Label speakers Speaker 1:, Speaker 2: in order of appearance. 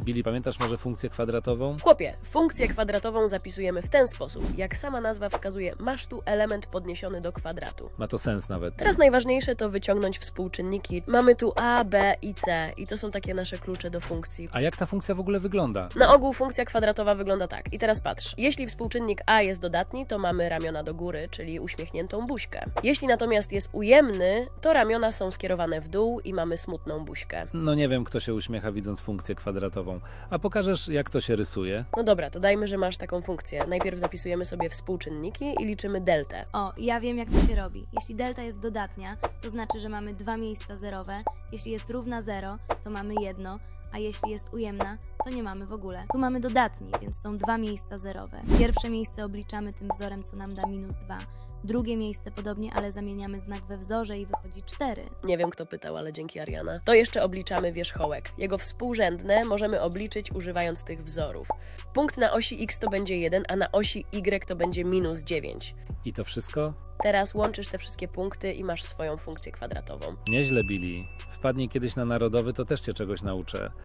Speaker 1: Billy, pamiętasz może funkcję kwadratową?
Speaker 2: Chłopie, funkcję kwadratową zapisujemy w ten sposób. Jak sama nazwa wskazuje, masz tu element podniesiony do kwadratu.
Speaker 1: Ma to sens nawet.
Speaker 2: Teraz najważniejsze to wyciągnąć współczynniki. Mamy tu a, b i c i to są takie nasze klucze do funkcji.
Speaker 1: A jak ta funkcja w ogóle wygląda?
Speaker 2: Na ogół funkcja kwadratowa wygląda tak. I teraz patrz. Jeśli współczynnik a jest dodatni, to mamy ramiona do góry, czyli uśmiechniętą buźkę. Jeśli natomiast jest ujemny, to ramiona są skierowane w dół i mamy smutną buźkę.
Speaker 1: No nie wiem, kto się uśmiecha widząc funkcję kwadratową. A pokażesz, jak to się rysuje?
Speaker 2: No dobra, to dajmy, że masz taką funkcję. Najpierw zapisujemy sobie współczynniki i liczymy deltę.
Speaker 3: O, ja wiem jak to się robi. Jeśli delta jest dodatnia, to znaczy, że mamy dwa miejsca zerowe. Jeśli jest równa 0, to mamy jedno, a jeśli jest ujemna, to nie mamy w ogóle. Tu mamy dodatni, więc są dwa miejsca zerowe. Pierwsze miejsce obliczamy tym wzorem, co nam da -2. Drugie miejsce podobnie, ale zamieniamy znak we wzorze i wychodzi 4.
Speaker 2: Nie wiem, kto pytał, ale dzięki Ariana. To jeszcze obliczamy wierzchołek. Jego współrzędne możemy obliczyć używając tych wzorów. Punkt na osi x to będzie 1, a na osi y to będzie -9.
Speaker 1: I to wszystko?
Speaker 2: Teraz łączysz te wszystkie punkty i masz swoją funkcję kwadratową.
Speaker 1: Nieźle, Billy. Wpadnij kiedyś na narodowy, to też cię czegoś nauczę.